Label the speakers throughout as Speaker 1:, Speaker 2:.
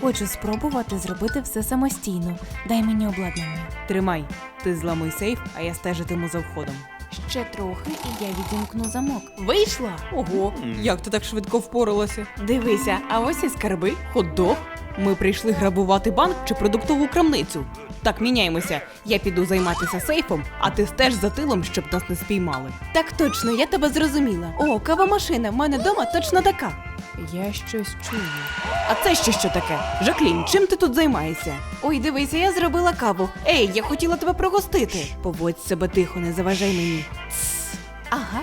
Speaker 1: Хочу спробувати зробити все самостійно. Дай мені обладнання.
Speaker 2: Тримай, ти зламуй сейф, а я стежитиму за входом.
Speaker 1: Ще трохи, і я відімкну замок.
Speaker 2: Вийшла? Ого, як ти так швидко впоралася? Дивися, а ось і скарби, хот-дог. Ми прийшли грабувати банк чи продуктову крамницю. Так, міняємося. Я піду займатися сейфом, а ти стеж за тилом, щоб нас не спіймали. Так точно, я тебе зрозуміла. О, кавомашина, в мене вдома точно така. Я щось чую. А це ще що таке? Жаклін, чим ти тут займаєшся? Ой, дивися, я зробила каву. Ей, я хотіла тебе пригостити. Поводь себе тихо, не заважай мені. Тсс. Ага.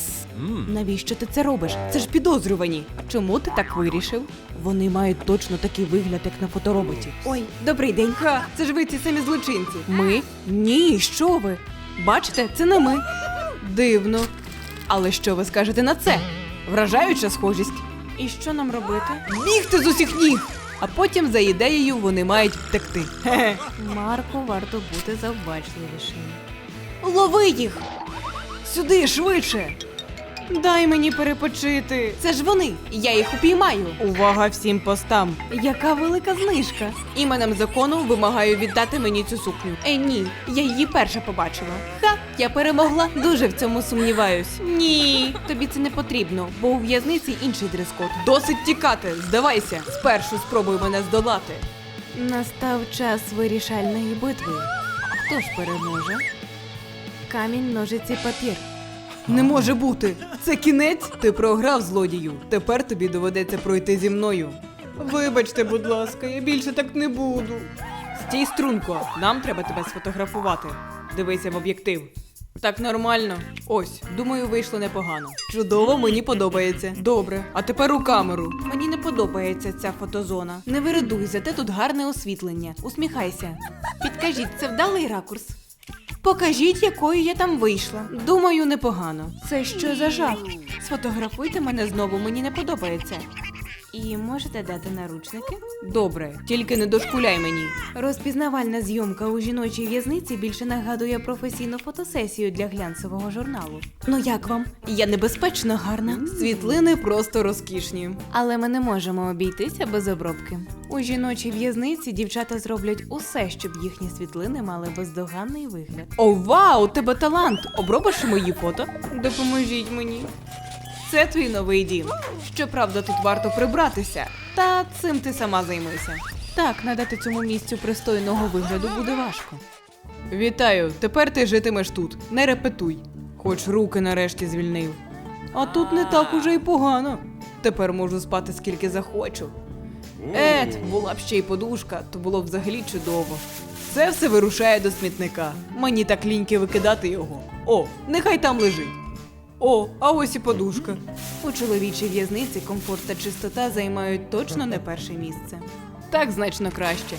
Speaker 2: Навіщо ти це робиш? Це ж підозрювані. Чому ти так вирішив? Вони мають точно такий вигляд, як на фотороботі. Ой, добрий день. Ха, це ж ви ці самі злочинці. Ми? Ні, що ви? Бачите, це не ми. Дивно. Але що ви скажете на це? Вражаюча схожість. І що нам робити? Бігти з усіх ніг! А потім, за ідеєю, вони мають втекти. Хе-хе.
Speaker 1: Марку варто бути завбачливішим.
Speaker 2: Лови їх! Сюди, швидше! Дай мені перепочити. Це ж вони, я їх упіймаю. Увага всім постам. Яка велика знижка. Іменем закону вимагаю віддати мені цю сукню. Ні, я її перша побачила. Ха, я перемогла, дуже в цьому сумніваюсь. Ні, тобі це не потрібно, бо у в'язниці інший дрес-код. Досить тікати, здавайся. Спершу спробуй мене здолати.
Speaker 1: Настав час вирішальної битви. Хто ж переможе? Камінь, ножиці, папір.
Speaker 2: Не може бути! Це кінець? Ти програв, злодію. Тепер тобі доведеться пройти зі мною. Вибачте, будь ласка, я більше так не буду. Стій, струнко, нам треба тебе сфотографувати. Дивися в об'єктив. Так нормально. Ось, думаю, вийшло непогано. Чудово, мені подобається. Добре, а тепер у камеру. Мені не подобається ця фотозона. Не виридуй, зате тут гарне освітлення. Усміхайся. Підкажіть, це вдалий ракурс? Покажіть, якою я там вийшла. Думаю, непогано. Це що за жах? Сфотографуйте мене знову, мені не подобається.
Speaker 1: І можете дати наручники?
Speaker 2: Добре, тільки не дошкуляй мені.
Speaker 1: Розпізнавальна зйомка у жіночій в'язниці більше нагадує професійну фотосесію для глянцевого журналу. Ну як вам?
Speaker 2: Я небезпечно гарна. Світлини просто розкішні.
Speaker 1: Але ми не можемо обійтися без обробки. У жіночій в'язниці дівчата зроблять усе, щоб їхні світлини мали бездоганний вигляд.
Speaker 2: О, вау, у тебе талант! Обробиш мої фото? Допоможіть мені. Це твій новий дім. Щоправда, тут варто прибратися. Та цим ти сама займися. Так, надати цьому місцю пристойного вигляду буде важко. Вітаю, тепер ти житимеш тут. Не репетуй. Хоч руки нарешті звільнив. А тут не так уже й погано. Тепер можу спати скільки захочу. Була б ще й подушка, то було б взагалі чудово. Це все вирушає до смітника. Мені так ліньки викидати його. О, нехай там лежить. О, а ось і подушка. У чоловічій в'язниці комфорт та чистота займають точно не перше місце. Так значно краще.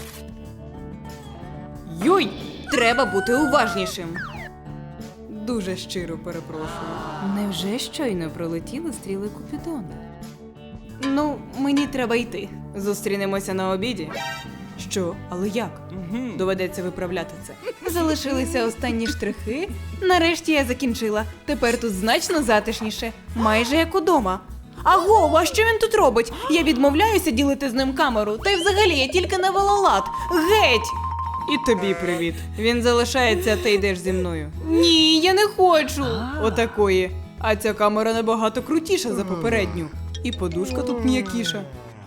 Speaker 2: Йой! Треба бути уважнішим. Дуже щиро перепрошую.
Speaker 1: Невже щойно пролетіли стріли Купідона?
Speaker 2: Ну, мені треба йти. Зустрінемося на обіді. Що? Але як? Доведеться виправляти це. Залишилися останні штрихи. Нарешті я закінчила. Тепер тут значно затишніше. Майже як удома. Аго, а що він тут робить? Я відмовляюся ділити з ним камеру. Та й взагалі я тільки навела лад. Геть! І тобі привіт. Він залишається, а ти йдеш зі мною. Ні, я не хочу. Отакої. А ця камера набагато крутіша за попередню. І подушка тут м'якіша.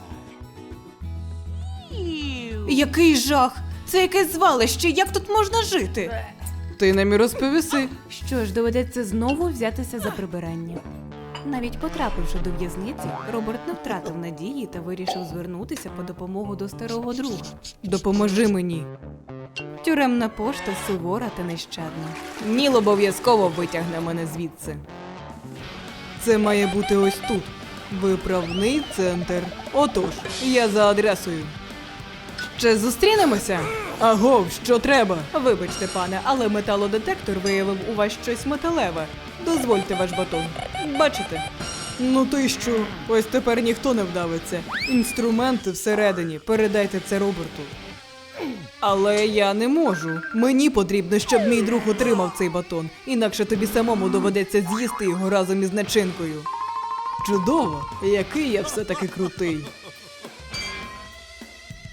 Speaker 2: Який жах! Це якесь звалище, як тут можна жити? Ти нам і розповіси.
Speaker 1: Що ж, доведеться знову взятися за прибирання. Навіть потрапивши до в'язниці, Роберт не втратив надії та вирішив звернутися по допомогу до старого друга.
Speaker 2: Допоможи мені.
Speaker 1: Тюремна пошта сувора та нещадна.
Speaker 2: Ніл обов'язково витягне мене звідси. Це має бути ось тут. Виправний центр. Отож, я за адресою. Ще зустрінемося? Агов, що треба? Вибачте, пане, але металодетектор виявив у вас щось металеве. Дозвольте ваш батон. Бачите? Ну ти що? Ось тепер ніхто не вдавиться. Інструменти всередині. Передайте це Роберту. Але я не можу. Мені потрібно, щоб мій друг отримав цей батон. Інакше тобі самому доведеться з'їсти його разом із начинкою. Чудово! Який я все-таки крутий.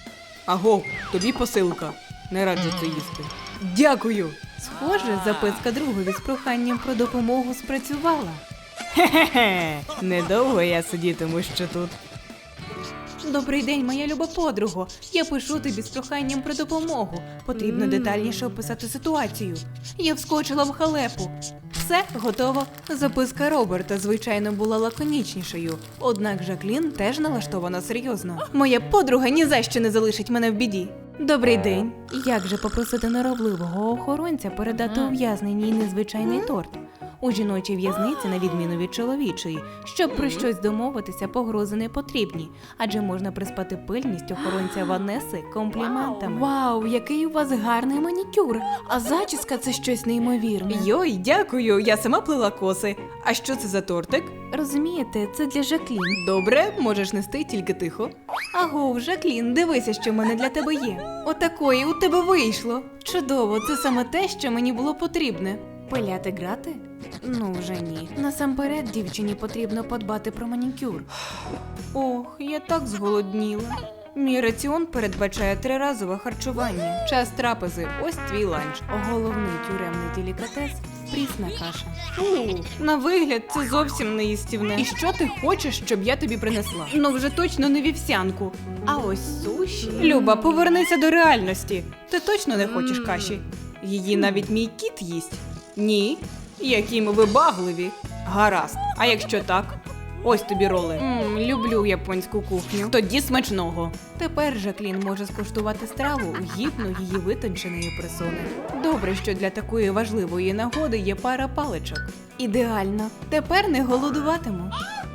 Speaker 2: Аго, тобі посилка. Не раджу це їсти. Дякую.
Speaker 1: Схоже, записка другові з проханням про допомогу спрацювала.
Speaker 2: Хе-хе-хе. Недовго я сидітиму ще тут.
Speaker 1: Добрий день, моя люба подруго. Я пишу тобі з проханням про допомогу. Потрібно детальніше описати ситуацію. Я вскочила в халепу. Все, готово. Записка Роберта, звичайно, була лаконічнішою. Однак Жаклін теж налаштована серйозно. Моя подруга ні за що не залишить мене в біді. Добрий день. Як же попросити норовливого охоронця передати ув'язненій незвичайний торт? У жіночій в'язниці, на відміну від чоловічої, щоб про щось домовитися, погрози не потрібні, адже можна приспати пильність охоронця Ванеси компліментами. Вау, який у вас гарний манікюр, а зачіска – це щось неймовірне.
Speaker 2: Йой, дякую, я сама плела коси. А що це за тортик?
Speaker 1: Розумієте, це для Жаклін.
Speaker 2: Добре, можеш нести, тільки тихо.
Speaker 1: Агов, Жаклін, дивися, що в мене для тебе є. Отакої у тебе вийшло. Чудово, це саме те, що мені було потрібне. Пиляти грати? Ну вже ні. Насамперед дівчині потрібно подбати про манікюр. Ох, я так зголодніла. Мій раціон передбачає 3-разове харчування. Час трапези, ось твій ланч. Головний тюремний делікатес – прісна каша. Фу, на вигляд це зовсім не їстівне.
Speaker 2: І що ти хочеш, щоб я тобі принесла?
Speaker 1: Ну вже точно не вівсянку. А ось суші.
Speaker 2: Люба, повернися до реальності. Ти точно не хочеш каші? Її навіть мій кіт їсть. Ні? Які ми вибагливі. Гаразд. А якщо так? Ось тобі роли.
Speaker 1: Люблю японську кухню.
Speaker 2: Тоді смачного.
Speaker 1: Тепер Жаклін може скуштувати страву гідну її витонченої персони. Добре, що для такої важливої нагоди є пара паличок. Ідеально. Тепер не голодуватиму.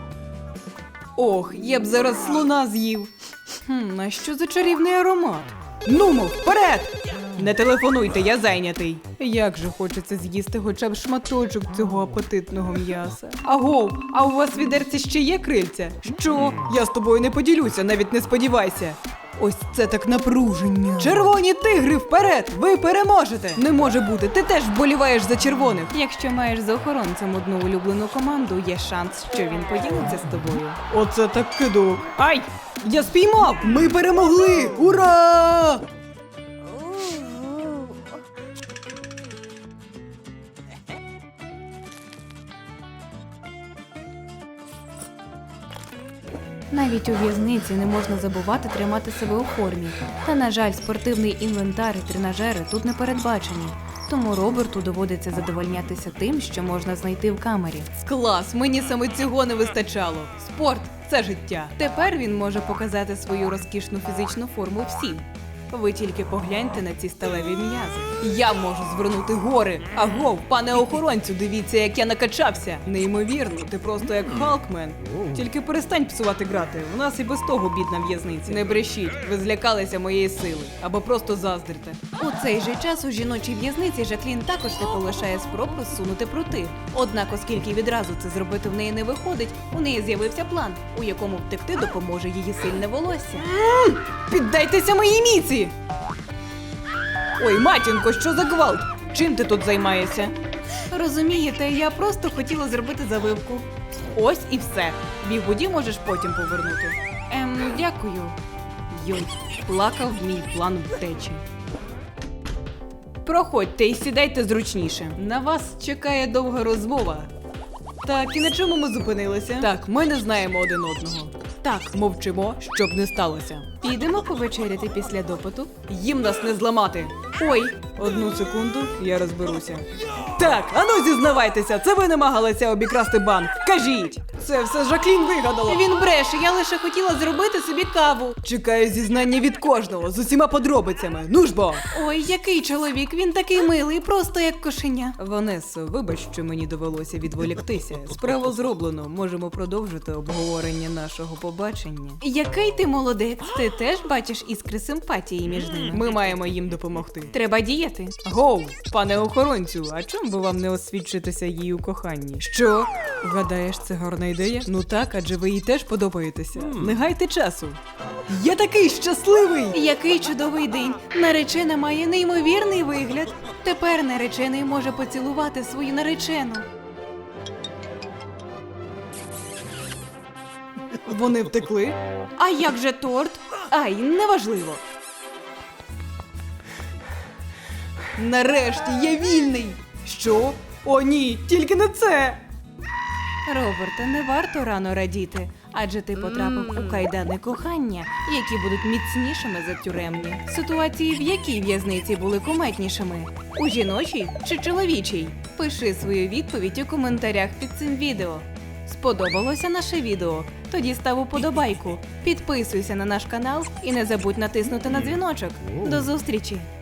Speaker 2: Ох, я б зараз слона з'їв.
Speaker 1: А що за чарівний аромат?
Speaker 2: Нумо, вперед! Не телефонуйте, я зайнятий. Як же хочеться з'їсти хоча б шматочок цього апетитного м'яса. Агов, а у вас в відерці ще є крильця? Що? Я з тобою не поділюся, навіть не сподівайся. Ось це так напруження. Червоні тигри, вперед! Ви переможете! Не може бути, ти теж вболіваєш за червоних.
Speaker 1: Якщо маєш за охоронцем одну улюблену команду, є шанс, що він поділиться з тобою.
Speaker 2: Оце так кидок. Ай! Я спіймав! Ми перемогли! Ура!
Speaker 1: Навіть у в'язниці не можна забувати тримати себе у формі. Та, на жаль, спортивний інвентар і тренажери тут не передбачені. Тому Роберту доводиться задовольнятися тим, що можна знайти в камері.
Speaker 2: Клас, мені саме цього не вистачало. Спорт – це життя.
Speaker 1: Тепер він може показати свою розкішну фізичну форму всім. Ви тільки погляньте на ці сталеві м'язи.
Speaker 2: Я можу звернути гори. Агов, пане охоронцю, дивіться, як я накачався. Неймовірно, ти просто як Халкмен. Тільки перестань псувати грати, у нас і без того бідна в'язниця. Не брешіть, ви злякалися моєї сили. Або просто заздрите.
Speaker 1: У цей же час у жіночій в'язниці Жаклін також не полишає спроб розсунути прути. Однак, оскільки відразу це зробити в неї не виходить, у неї з'явився план, у якому втекти допоможе її сильне волосся.
Speaker 2: Піддайтеся моїй міці! Ой, матінко, що за гвалт? Чим ти тут займаєшся?
Speaker 1: Розумієте, я просто хотіла зробити завивку.
Speaker 2: Ось і все. Бігуді можеш потім повернути.
Speaker 1: Дякую.
Speaker 2: Йой, плакав мій план втечі. Проходьте і сідайте зручніше. На вас чекає довга розмова. Так, і на чому ми зупинилися? Так, ми не знаємо один одного. Так, мовчимо, щоб не сталося.
Speaker 1: Підемо повечеряти після допиту?
Speaker 2: Їм нас не зламати. Ой, одну секунду, я розберуся. Так, ану зізнавайтеся, це ви намагалися обікрасти банк. Кажіть! Це все Жаклін вигадала.
Speaker 1: Він бреше, я лише хотіла зробити собі каву.
Speaker 2: Чекаю зізнання від кожного, з усіма подробицями. Ну ж бо!
Speaker 1: Ой, який чоловік, він такий милий, просто як кошеня.
Speaker 2: Ванесо, вибач, що мені довелося відволіктися. Справу зроблено, можемо продовжити обговорення нашого побачення.
Speaker 1: Який ти молодець, ти теж бачиш іскри симпатії між ними.
Speaker 2: Ми маємо їм допомогти.
Speaker 1: Треба діяти.
Speaker 2: Гоу, пане охоронцю, а чому би вам не освідчитися їй у коханні? Що? Гадаєш, це гарна ідея? Ну так, адже ви їй теж подобаєтеся. Не гайте часу. Я такий щасливий!
Speaker 1: Який чудовий день. Наречена має неймовірний вигляд. Тепер наречений може поцілувати свою наречену.
Speaker 2: Вони втекли?
Speaker 1: А як же торт? Ай, неважливо.
Speaker 2: Нарешті я вільний! Що? О ні, тільки не це!
Speaker 1: Роберте, не варто рано радіти, адже ти потрапив у кайдани кохання, які будуть міцнішими за тюремні. Ситуації в якій в'язниці були куметнішими? У жіночій чи чоловічій? Пиши свою відповідь у коментарях під цим відео. Сподобалося наше відео? Тоді став уподобайку, підписуйся на наш канал і не забудь натиснути на дзвіночок. До зустрічі!